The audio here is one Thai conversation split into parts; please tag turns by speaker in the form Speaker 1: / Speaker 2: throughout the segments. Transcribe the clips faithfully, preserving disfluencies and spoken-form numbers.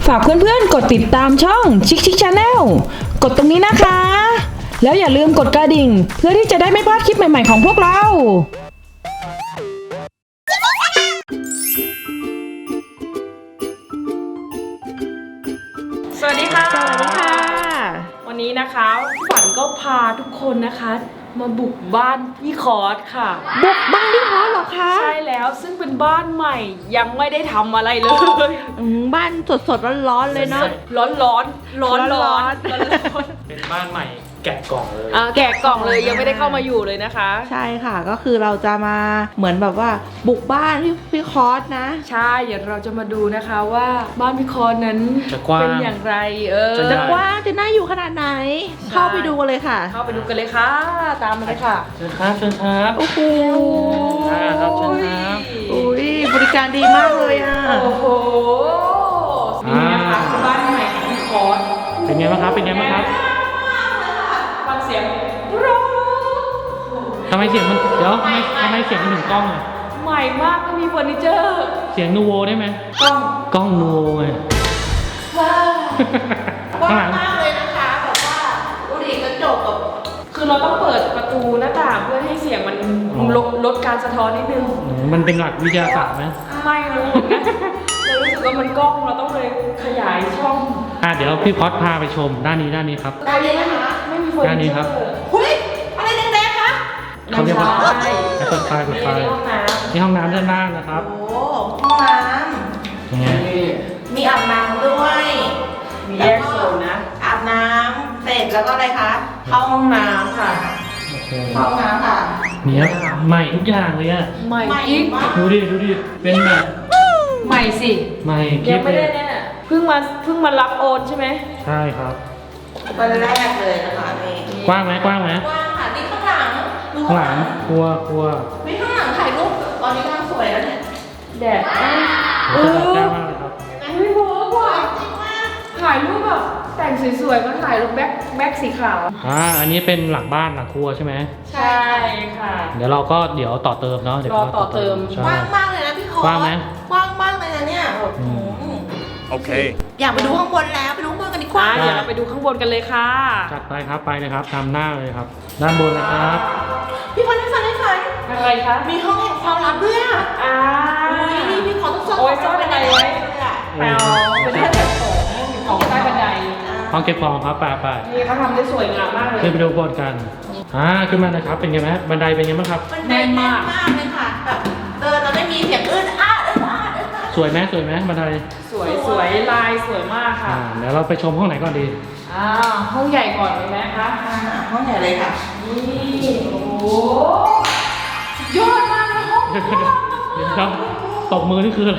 Speaker 1: ฝากเพื่อนๆกดติดตามช่องชิคชิคชาแนลกดตรงนี้นะคะแล้วอย่าลืมกดกระดิ่งเพื่อที่จะได้ไม่พลาดคลิปใหม่ๆของพวกเราสวัสดีค่ะสวัสดีค่ะวันนี้นะคะฝันก็พาทุกคนนะคะมาบุกบ้านพี่คอร์สค่ะบุกบ้านพี่คอร์สเหรอคะใช่แล้วซึ่งเป็นบ้านใหม่ยังไม่ได้ทำอะไรเลย
Speaker 2: บ้านสดๆร้อนๆเลยเนาะ
Speaker 1: ร้อนร้อนร้อนร้อน
Speaker 3: เป็นบ้านใหม่แกะกล่องเลย
Speaker 1: แกะกล่องเลยยังไม่ได้เข้ามาอยู่เลยนะคะ
Speaker 2: ใช่ค่ะก็คือเราจะมาเหมือนแบบว่าบุกบ้านพี่พี่คอร์สนะ
Speaker 1: ใช่เดี๋ยวเราจะมาดูนะคะว่าบ้านพี่คอร์สนั้นเป็นอย่างไรเออ
Speaker 2: จะกว้างจะน่าอยู่ขนาดไหนเข้าไปดูกันเลยค่ะ
Speaker 1: เข้าไปดูกันเลยค่ะตามมาเลยค่ะ
Speaker 3: เชิญครับเชิญครับ
Speaker 2: โอ้โห
Speaker 3: ครับเชิญครับ
Speaker 2: อุ้ยบริการดีมากเลยอ่ะ
Speaker 1: โอ้โหนี่นะคะบ้านใหม่ของพี่คอร์ส
Speaker 3: เป็นไงบ้างครับเป็นไงบ้างครับ
Speaker 1: ฟังเสียง
Speaker 3: ทำไมเสียงมันเดี๋ยวทำไมทำไมเสียงมันถึงกล้องอ่ะ
Speaker 1: ใหม่มากไม่มีเฟอร์นิเจอร์
Speaker 3: เสียงนูโวได้ไหม
Speaker 1: กล้อง
Speaker 3: กล้องนูโวไง
Speaker 2: ว้าวกว้างมากเลยนะคะแบบว่าดูดิกระจกแบบ
Speaker 1: คือเราต้องเปิดประตูหน้าต่างเพื่อให้เสียงมันลดลดการสะท้อนนิดนึง
Speaker 3: มันเป็นหลักวิทยาศาสตร์ไหม
Speaker 1: ไม่รู้เหมือนกันเรารู้สึกว่ามันกล้องเราต้องเลยขยายช่อง
Speaker 3: อ่ะเดี๋ยวพี่พอดพาไปชมด้านนี้ด้านนี้ครับ
Speaker 1: ด้านนี้นะคะไม่มีเฟอร์นิเจอร์
Speaker 3: ด้านนี้ครับ
Speaker 2: เฮ้ยอะไรแดงๆคะ
Speaker 3: เขาเรียกว่าเปิดไฟเปิดไฟนี่ห้องน้ำด้านล่างนะครับ
Speaker 2: โอ้ห้องน้ำ
Speaker 3: ยังไง
Speaker 2: มีอาบน้ำด้วย
Speaker 1: มีแยกโซนนะ
Speaker 2: อาบน้ำเสร็จแล้วก็อะไรคะเข้าห้องน้ำค่ะเข้าห้องน้ำค่ะ
Speaker 3: เนี่ยใหม่ทุกอย่างเลยอะ
Speaker 1: ใหม่กิ๊ก
Speaker 3: ดูดิดูดิเป็นแบบ
Speaker 1: ใหม่สิ
Speaker 3: ใหม่
Speaker 1: ยังไม่ได้เนี่ยเพิ่งมาเพิ่งมารับโอนใช่ไหม
Speaker 3: ใช่ครับ
Speaker 2: วันแรกเลยนะคะนี่
Speaker 3: กว้างไหมกว้างไหม
Speaker 2: กว้างค่ะนี่ข้างหลัง
Speaker 3: ข้างหลังครัวครัว
Speaker 2: ไม่ข้างหลังถ่ายรูปตอนนี้กำลังสวยแล้วเนี่ย
Speaker 1: แดด
Speaker 3: เออแจ่มมากเลยครับ
Speaker 1: ไม่โม้ว่ะถ่ายรูปแบบแต่งสวยๆมาถ่ายรูปแบ็คแบ็คสีขาว
Speaker 3: อ่าอันนี้เป็นหลังบ้านหลังครัวใช่ไหม
Speaker 1: ใช่ค่ะ
Speaker 3: เดี๋ยวเราก็เดี๋ยวต่อเติมเนาะเดี๋ยว
Speaker 1: ต่อเติม
Speaker 2: กว้างมากเลยนะพี่คอก
Speaker 3: ว้างไหม
Speaker 2: กว้างมากเลยนะเนี่ย
Speaker 3: โอเค
Speaker 2: อยากไปดูข้างบนแล้วไปดูข้างบนกันดีกว่า
Speaker 1: เดี๋ยวเราไปดูข้างบนกันเลยค่ะ
Speaker 3: จัดไปครับไปเลยครับตามหน้าเลยครับด้านบนนะครับ
Speaker 2: พี่ฟันพี่ฟันพี่ฟัน
Speaker 1: อะไรคะ
Speaker 2: มีห้องแห่งความลับด้วยอ่ะ
Speaker 1: อ่า
Speaker 2: นี่พี่ขอต้องซ่อน
Speaker 1: โอ้ยซ่อนอะไรไว้แปลเป็นแค่ของของใต้บันได
Speaker 3: ห้องเก็บของครับไปไป
Speaker 1: นี่เขาทำได้สวยงามมากเลย
Speaker 3: ขึ้นไปดูบนกันอ่าขึ้นมานะครับเป็นไงไหมบันไดเป็นไงบ้างครับ
Speaker 2: แน่นมากมากเลยค่ะแบบเดินเราไม่มีเสียงอื้นอ้าอื้นอ้าอื้นอ้า
Speaker 3: สวยไหมสวยไหมบันได
Speaker 1: สวยสวยลายสวยมากค่ะ
Speaker 3: เดี๋ยวเราไปชมห้องไหนก่อนดี
Speaker 1: อ่าห้องใหญ่ก่อนเลยไหมคะ
Speaker 2: ห้องใหญ่เลยค่ะ
Speaker 1: นี่โอ้โหยอดมากเลยห้องเ
Speaker 3: ดี๋ยวครับตบมือนี่คืออะไร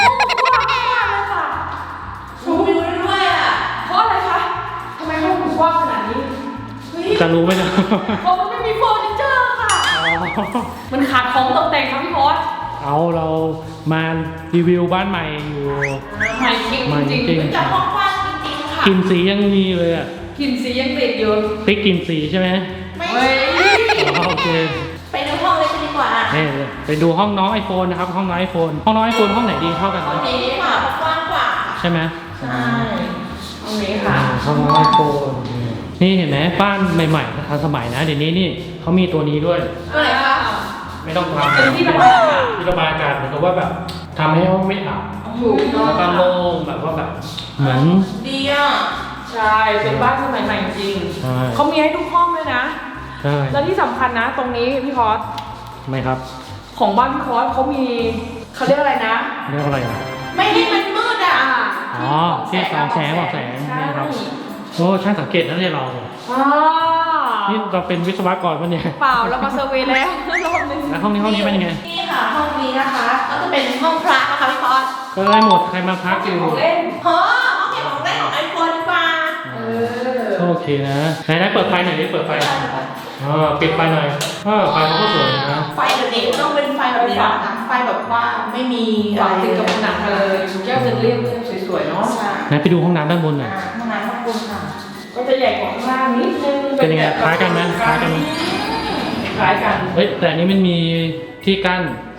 Speaker 2: ชูวิวด้วยอ่ะ
Speaker 1: เพราะอะไรคะทำไมห้องมันกว้างขนาดนี้
Speaker 3: จะรู้ไหมเนี่ย
Speaker 1: เพราะมันไม่มีเฟอร์นิเจอร์ค่ะมันขาดของตกแต่งครับพี่พอส
Speaker 3: เอาเรามารีวิวบ้านใหม่อยู่
Speaker 1: ใหม่จริงจริง
Speaker 2: จะห้องกว้างจริงๆค่ะ
Speaker 3: กลิ่นสียังมีเลยอ่ะ
Speaker 1: กลิ่นสียังติดอยู่
Speaker 3: ติ๊กกลิ่นสีใช่ไหม
Speaker 2: ไม่
Speaker 3: โอเค
Speaker 2: ไปดูห้องเลยดีกว่า
Speaker 3: นี่ไปดูห้องน้องไอโฟนนะครับห้องน้องไอโฟนห้องน้องไอโฟนห้องไหนดีเท่ากันไหม
Speaker 2: ห้องนี้ค่ะกว้างกว่า
Speaker 3: ใช่ไหม
Speaker 2: ใช่
Speaker 1: ห้องนี้ค่ะ
Speaker 3: ห้องน้องไอโฟนนี่เห็นไหมบ้านใหม่ๆทันสมัยนะเดี๋ยวนี้นี่เขามีตัวนี้ด้วย
Speaker 2: อะไรคะ
Speaker 3: ไม่ต้องทำเป็นที่ระบายอากาศที่ระบายอากาศเหมือนกับว่าแบบทำให้ห้องไม่อับแล้วก็โล่งแบบว่าแบบเหมือน
Speaker 2: ดีอ่ะ
Speaker 1: ใช่เป็นบ้านสมัยใหม่จริงเขามีให้ทุกห้องเลยนะ
Speaker 3: ใช่
Speaker 1: แล้วที่สำคัญนะตรงนี้พี่คอส
Speaker 3: ไม่ครับ
Speaker 1: ของบ้านพี่คอสเขามีเขาเรียกอะไรนะ
Speaker 3: เรียกอะไรนะ
Speaker 2: ไม่ให้มันมืดอ่ะ
Speaker 3: อ๋อที่สองแสงบอกแสงนี่ครับโอ้ช่างสังเกตนะเนี่ยเรานี่เราเป็นวิศวกรปะเนี่ย
Speaker 1: เปล่าเรามาเซอร์เวย์แล้ว
Speaker 3: แล้วห้องนี้ห้องนี้เป็นยังไง
Speaker 2: นี่ค่ะห้องนี้นะคะก็จะเป็นห้องพระนะคะพี่พอส
Speaker 3: ก็ได้หมดใครมาพักอยู่
Speaker 1: เล่น
Speaker 2: เฮ้อห้องเก็บของเล่นของไอโฟนดีกว่า
Speaker 3: โอเคนะไหนไหนเปิดไฟหน่อยดิเปิดไฟอ๋อปิดไฟหน่อยเออไฟเขาก็สวยนะ
Speaker 2: ไฟแบบนี้ต้องเป็นไฟแบบนี้นะคะไฟแบบว่าไม่มี
Speaker 1: อะไรติดกับผนังเลยแก้วเรียบสวยๆเนาะ
Speaker 3: ไหนไปดูห้องน้ำด้านบนหน่อย
Speaker 2: ห้องน้ำด้านบนค่ะ
Speaker 1: ก็จะใหญ่กว่าข้างล่างนิดนึง
Speaker 3: เป็นยังไงคล้ายกันไหมคล้ายกันไหม
Speaker 1: คล้ายกัน
Speaker 3: เฮ้ยแต่อันนี้มันมีที่กั้น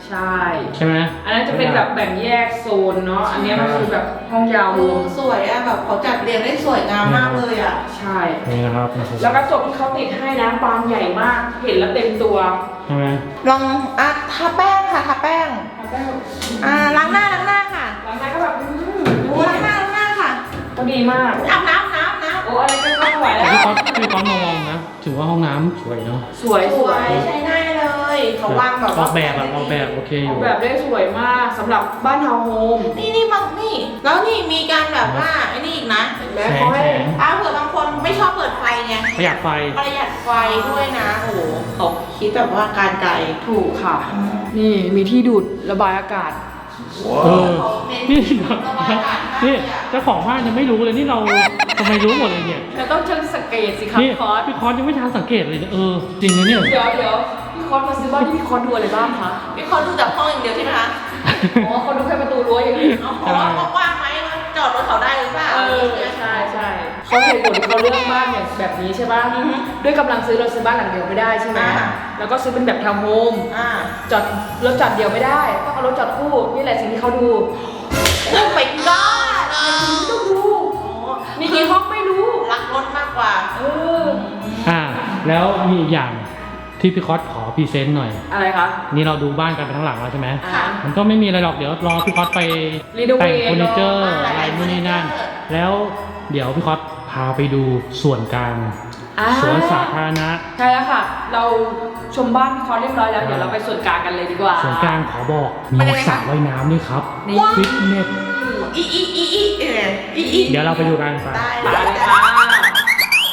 Speaker 1: ใช่
Speaker 3: ใช่ไหม
Speaker 1: อันนั้นจะเป็นแบบแบ่งแยกโซนเนาะอันนี้มันคือแบบห้องยาวรวม
Speaker 2: สวยอะแบบเขาจัดเรียงได้สวยงามมากเลยอะ
Speaker 1: ใช่
Speaker 3: นี่นะครับ
Speaker 1: แล้วกระจกที่เขาติดให้นะบานใหญ่มากเห็นแล้วเต็มตัว
Speaker 3: ใช่ไหม
Speaker 2: ลองอ่ะทาแป้งค่ะทาแป้ง
Speaker 1: แล้วก็
Speaker 2: อ่าล้างหน้าล้างหน้าค่ะ
Speaker 1: หลังจากก็แบบอืมดู
Speaker 2: ดูล้างหน้าล้างหน้าค่ะ
Speaker 1: ก็ดีมาก
Speaker 2: อาบน้ำน้ำน้ำ
Speaker 1: โอ้อะไรก็ไม่ไหว
Speaker 3: แต่
Speaker 1: แล้ว
Speaker 3: พี่ก๊อตพี่ก๊อตมามองนะถือว่าห้องน้ำสวยเนาะ
Speaker 1: สวย
Speaker 2: ส
Speaker 1: ส
Speaker 2: ว
Speaker 1: วย ย
Speaker 2: ใช้ได้เลยเขาวางแบบ
Speaker 3: ออกแบบอะออกแบบโอเคอ
Speaker 1: ออยู่ กแบบได้สวยมากสำหรับบ้านทาวน์โฮม
Speaker 2: นี่นี่บางนี่แล้วนี่มีการแบบว่าไอ้นี่อีกนะเห็นไหม
Speaker 3: แสง
Speaker 2: เขาให้
Speaker 3: แสง
Speaker 2: อ้าวเผื่อบางคนไม่ชอบเปิดไฟไง
Speaker 3: ประหยัดไฟ
Speaker 2: ประหยัดไฟด้วยนะโอ้โหเขาคิดแบบว่าการไกล
Speaker 1: ถูกค่ะ นี่มีที่ดูดระบายอากาศ
Speaker 3: เออ นี่
Speaker 2: ระบายอากาศให้
Speaker 3: นี่
Speaker 2: อะ
Speaker 3: เจ้าของบ้านยังไม่รู้เลยนี่เราทำไมรู้หมดเลยเนี่ย
Speaker 1: เราต้องเชิงสังเกตสิครับ
Speaker 3: นี่
Speaker 1: คอร์ส
Speaker 3: พี่คอสยังไม่ทันสังเกตเลยเนี่ยเออจริงนะเนี่ย
Speaker 1: เดี๋ยวเดี๋ยวพี่คอร์สมาซื้อบ้านที่พี่คอร์สดูอะไรบ้างคะ
Speaker 2: พี่คนดูจากห้องอย่างเดียวใช่ไหมคะ
Speaker 1: อ๋อเขาดูแค่ประตูรั้วอย่างนี้
Speaker 2: เอาเพราะว่าเขาว่างไหมจอดรถเขาได้หรือเปล่า
Speaker 1: เออใช่ใช่เขาเหตุผลที่เขาเลือกบ้านอย่างแบบนี้ใช่ป่ะด้วยกำลังซื้อเราซื้อบ้านหลังเดียวไม่ได้ใช่ไหมแล้วก็ซื้อเป็นแบบทาวน์โฮม
Speaker 2: อ่า
Speaker 1: จอดรถจอดเดียวไม่ได้ต้องเอารถจอดคู่นี่แหละสิ่งที่เขาดู
Speaker 2: โอ้ไปก้า
Speaker 1: ไม่ต้องดูมีกี่ห้องไม่รู้
Speaker 2: รักรถมากกว่า
Speaker 1: เออ
Speaker 3: อ่าแล้วมีอีกอย่างที่พี่คอสขอพรีเซนต์หน่อย
Speaker 1: อะไรคะ
Speaker 3: นี่เราดูบ้านกันไปทั้งหลังแล้วใช่ไหม
Speaker 1: อ่า
Speaker 3: มันก็ไม่มีอะไรหรอกเดี๋ยวรอพี่คอสไป
Speaker 1: รีโนเวท
Speaker 3: แต่งเฟอร์นิเจอร์
Speaker 2: เนอะ
Speaker 3: อะไรนู่นนี่นั่น แล้วเดี๋ยวพี่คอสพาไปดูส่วนกลาง
Speaker 1: อ่า
Speaker 3: สวนสาธารณะ
Speaker 1: ใช่แล้วค่ะ เราชมบ้านพี่คอร์สเรียบร้อยแล้วเดี๋ยวเราไปส่วนกลางกันเลยดีกว่า
Speaker 3: ส่วนกลางขอบอกมี
Speaker 2: เป็นยังไง
Speaker 3: สระ
Speaker 2: คะ
Speaker 3: ว่ายน้ำด้วยครับ
Speaker 1: นี่
Speaker 3: ฟิตเนส
Speaker 2: อีอีอีอีเอออีอี
Speaker 3: เดี๋ยวเราไปดูกันไป
Speaker 2: ได้
Speaker 1: ไป
Speaker 2: ได้
Speaker 1: เลย
Speaker 2: ค่ะ
Speaker 1: ค่ะ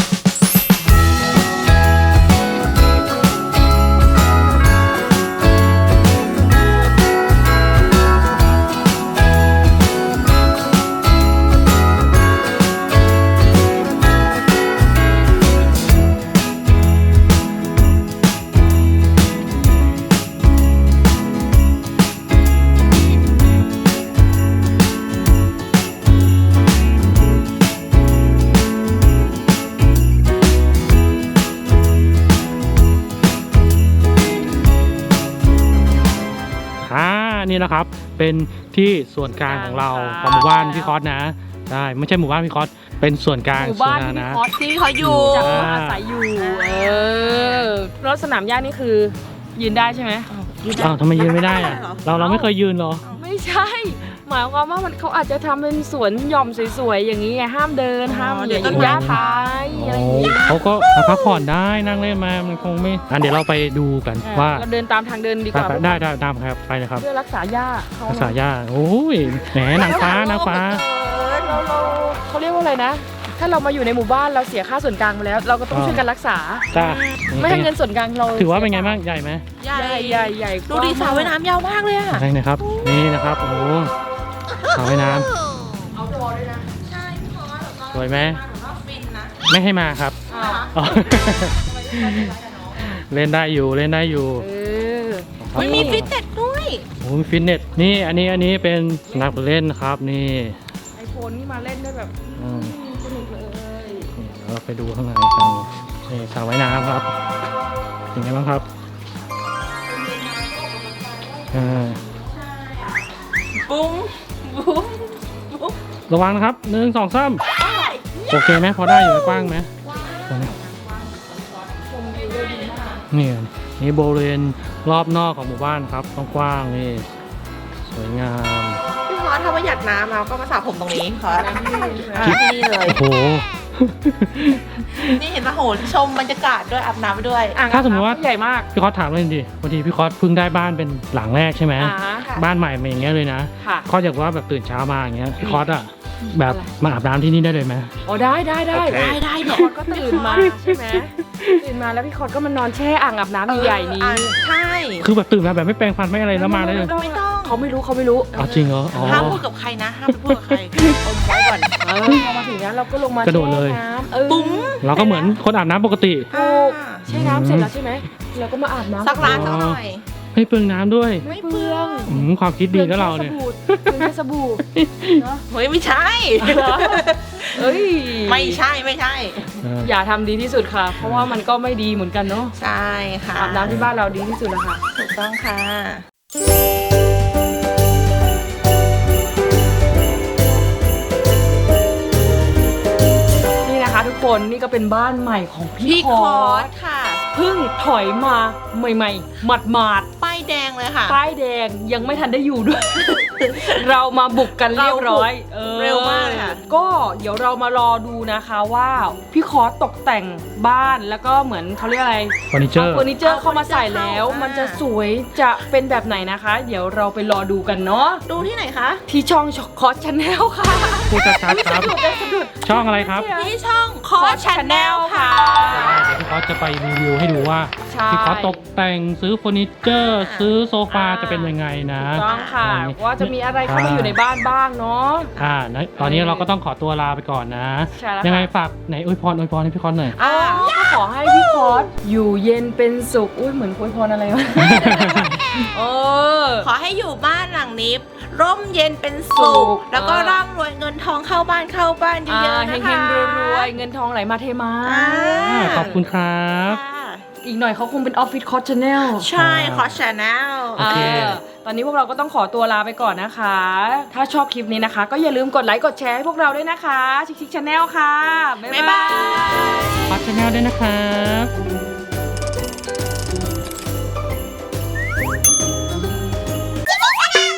Speaker 3: อ่านี่นะครับเป็นที่ส่วนกลางของเราของหมู่บ้านพี่คอสนะได้ไม่ใช่หมู่บ้านพี่คอสเป็นส่วนกลาง
Speaker 1: หมู่
Speaker 3: ส่วน
Speaker 1: บ้าน
Speaker 3: สาธาร
Speaker 1: ที่
Speaker 3: ณะ
Speaker 1: พี่คอร์ส
Speaker 2: ที่เขาอยู่
Speaker 1: จะอาศัยอยู่ เออรถสนามหญ้านี่คือยืนได้ใช่ไหม
Speaker 3: อ้าวทำไมยืนไม่ได้อะเราเราไม่เคยยืนเหรอ
Speaker 1: ไม่ใช่ หมายความว่ามันเขาอาจจะทำเป็นสวนหย่อมสวยๆอย่างนี้ไงห้ามเดินห้าม
Speaker 2: เดี๋
Speaker 1: เดี๋
Speaker 2: ย
Speaker 1: ยว ว
Speaker 2: ต้
Speaker 1: ต้
Speaker 2: น
Speaker 1: น
Speaker 2: ไม้
Speaker 1: หญ้าท้ายอะไรอย่าง
Speaker 3: โอ้
Speaker 1: นี้
Speaker 3: เขาก็มาพักผ่อนได้นั่งเล่นมามันคงไม่อ่ะเดี๋ยวเราไปดูกันว่า
Speaker 1: เราเดินตามทางเดินดีก
Speaker 3: ไป
Speaker 1: ว่า
Speaker 3: ไปได้ได้ตามครับไปเลยครับ
Speaker 1: เพื่อรักษาหญ้าเขา
Speaker 3: ภาษาย่าโอ้ยแหมนางฟ้านางฟ้า
Speaker 1: เราเราเขาเรียกว่าอะไรนะ ถ้าเรามาอยู่ในหมู่บ้านเราเสียค่าส่วนกลางไปแล้ว เราก็ต้อง
Speaker 3: อ่า
Speaker 1: ช่วยกันรักษา
Speaker 3: จ้า
Speaker 1: ไม่ให้เงินส่วนกลางเรา
Speaker 3: ถือว่าเป็นไงบ้างใหญ่ไหม
Speaker 2: ใหญ่
Speaker 1: ใหญ่ใหญ่ใหญ่
Speaker 2: ดูดิสระว่ายน้ำยาวมากเลยอะ
Speaker 3: ใช่นะครับนี่นะครับโอ้โหสระว่ายน้
Speaker 1: เอาตัวด้วยนะ
Speaker 2: ใช่พี่คอส
Speaker 3: ำสวยไหม
Speaker 2: มาหนูว่าฟินนะ
Speaker 3: ไม่ให้มาครับ
Speaker 1: อ้าว
Speaker 3: อ๋อ เล่นได้อยู่เล่นได้อยู่
Speaker 1: เออ
Speaker 2: ไม่มีฟิตเนสด้วย
Speaker 3: โอ้ยฟิตเนสนี่อันนี้อันนี้เป็นสนามเล่นนะครับนี่
Speaker 1: ไอโฟนนี่มาเล่นได้แบบ
Speaker 3: อืม
Speaker 1: สนุกเลย
Speaker 3: นี่เราไปดูข้างในกันนี่สระว่ายน้ำครับเป็นไงบ้างครับอ่า
Speaker 2: บุ้มบุ้มบุ้ม
Speaker 3: ระวังนะครับหนึ่งสองสามโอเคไหมพอได้อยู่ไหมกว้างไหมนี่นี่บริเวณรอบนอกของหมู่บ้านครับกว้างๆนี่สวยงาม
Speaker 2: พี่คอสถ้าประหยัดน้ำเราก็มาสระผมตรงนี้คอสอ่าที่นี่เลย
Speaker 3: โอ้โห
Speaker 2: นี่เห็นปะโหชมบรรยากาศด้วยอาบน้ำไปด้วย
Speaker 1: อ่ง
Speaker 3: ถ้าสมมติว่า
Speaker 1: ใหญ่มาก
Speaker 3: พี่คอสถามเลยดิบางทีพี่คอสเพิ่งได้บ้านเป็นหลังแรกใช่ไหม
Speaker 1: อ่า
Speaker 2: ค่ะ
Speaker 3: บ้านใหม่มาอย่างเงี้ยเลยนะ
Speaker 1: ค่ะ
Speaker 3: คอสอยากว่าแบบตื่นเช้ามาอย่างเงี้ยพี่คอสอะแบบมาอาบน้ำที่นี่ได้เลยไหม
Speaker 1: โอ้ได้ได้ได้
Speaker 2: ได้ได้
Speaker 1: พี่
Speaker 2: เนี่ย
Speaker 1: คอร์สก็ตื่นมาใช่ไหมตื่นมาแล้วพี่คอร์สก็มานอนแช่อ่างอาบน้ำใหญ่ๆนี้
Speaker 2: อ่าใช่
Speaker 3: คือแบบตื่นมาแบบไม่แปรงฟันไม่อะไรแล้วมาได้เลย
Speaker 2: ไม่ต้อง
Speaker 1: เขาไม่รู้เขาไม่รู้
Speaker 3: อ๋อจริงเหรออ๋อ
Speaker 2: ห้ามพูดกับใครนะห้ามไปพูดกับใครอมไว้ก่อน
Speaker 1: เออพอมาถึงนั้นเราก็ลงมาก
Speaker 3: ระโดดเลย
Speaker 1: แช่น้ำเออ
Speaker 2: บุ้ม
Speaker 3: เราก็เหมือนคนอาบน้ำปกติ
Speaker 1: ถูกแช่น้ำเสร็จแล้วใช่ไหมเราก็มาอาบน้ำ
Speaker 2: สักร้านสักหน่อย
Speaker 3: ไม่เปลืองน้ำด้วย
Speaker 1: ไม่เปลือง
Speaker 3: อืมความคิดดีนะเราเนี่ย
Speaker 1: เปลืองแค่สบู่เนาะ
Speaker 2: เฮ้ยไม่ใช่
Speaker 1: เอ้ย
Speaker 2: ไม่ใช่ไม่ใช่
Speaker 3: เออ
Speaker 1: อย่าทำดีที่สุดค่ะ เพราะว่ามันก็ไม่ดีเหมือนกันเนาะ
Speaker 2: ใช่ค่ะ
Speaker 1: อาบน้ำที่บ้านเราดีที่สุดแล้วค่ะ
Speaker 2: ถูกต้องค่ะ
Speaker 1: นี่นะคะทุกคนนี่ก็เป็นบ้านใหม่ของพี่
Speaker 2: พี่
Speaker 1: ค
Speaker 2: ค
Speaker 1: อ
Speaker 2: อ
Speaker 1: ร์
Speaker 2: ร์
Speaker 1: ส
Speaker 2: สค่ะ
Speaker 1: เพิ่งถอยมาใหม่ๆหมาด
Speaker 2: ป้ายแดงเลยค่ะ
Speaker 1: ๆป้ายแดงยังไม่ทันได้อยู่ด้วย เรามาบุกกันเรียบร้อยออ
Speaker 2: เร็วมากเลยค่ะ
Speaker 1: ก็เดี๋ยวเรามารอดูนะคะว่าพี่คอร์สตกแต่งบ้านแล้วก็เหมือนเขาเรียกอะไร
Speaker 3: เฟอร์นิเจอ
Speaker 1: เอา
Speaker 3: ร์
Speaker 1: เฟอร์นิเจอร์เข้ามาใส่แล้ว
Speaker 2: เอาเฟอร์นิเจอร์เข้า
Speaker 1: มันจะสวยจะเป็นแบบไหนนะคะ เดี๋ยวเราไปรอดูกันเนาะ
Speaker 2: ดูที่ไหนคะ
Speaker 1: ที่ช่องคอร์สชาแนลค่ะ
Speaker 3: พูดชัดๆครับ
Speaker 1: สะดุดเลยสะดุด
Speaker 3: ช่องอะไรครับ
Speaker 2: ที่ช่องคอร์สชาแนลค่ะ
Speaker 3: เดี๋ยวพี่คอสจะไปรีวิวให้ดูว่า
Speaker 1: ใช่
Speaker 3: พี่คอสตกแต่งซื้อเฟอร์นิเจอร์ ซื้อโซฟา
Speaker 1: อ่า
Speaker 3: จะเป็นยังไงนะ
Speaker 1: ถูกต้องค่ะ
Speaker 3: อะไรอย่างงี้
Speaker 1: ว่าจะมีอะไรเข้ามาอยู่ในบ้านบ้างเนาะ
Speaker 3: อ่านะตอนนี้เราก็ต้องขอตัวลาไปก่อนนะ
Speaker 1: ใช่แล้วค่ะ
Speaker 3: ยังไงฝากไหนอวยพรอวยพรให้พี่คอสหน่อย
Speaker 1: อ่าก็ขอให้พี่คอร์สอยู่เย็นเป็นสุขอุ้ยเหมือนคุยพรอะไรวะ เออ
Speaker 2: ขอให้อยู่บ้านหลังนี้ ร่มเย็นเป็นสุ
Speaker 1: สุ
Speaker 2: ข
Speaker 1: ข
Speaker 2: แล้วก็
Speaker 1: เออ
Speaker 2: ร่ำรวยเงินทองเข้าบ้านเข้าบ้านเย
Speaker 1: อ่า
Speaker 2: อะๆ
Speaker 1: เฮ
Speaker 2: นะคะ
Speaker 1: งๆรวยๆเงินทองไหลมาเทมา
Speaker 2: อ่า
Speaker 3: อ่าขอบคุณครับ
Speaker 2: ค่ะ
Speaker 1: อีกหน่อยเขาคงเป็นออฟฟิศคอร์สชาแนล
Speaker 2: ใช่คอร์สชาแนล
Speaker 3: โอเค
Speaker 1: ตอนนี้พวกเราก็ต้องขอตัวลาไปก่อนนะคะ ถ้าชอบคลิปนี้นะคะ ก็อย่าลืมกดไลค์กดแชร์ให้พวกเราด้วยนะคะ ชิคชิคชาแนลค่ะ บ๊าย
Speaker 2: บ๊าย
Speaker 1: บา
Speaker 2: บาย ย
Speaker 3: คอสชาแนลด้วยนะครับ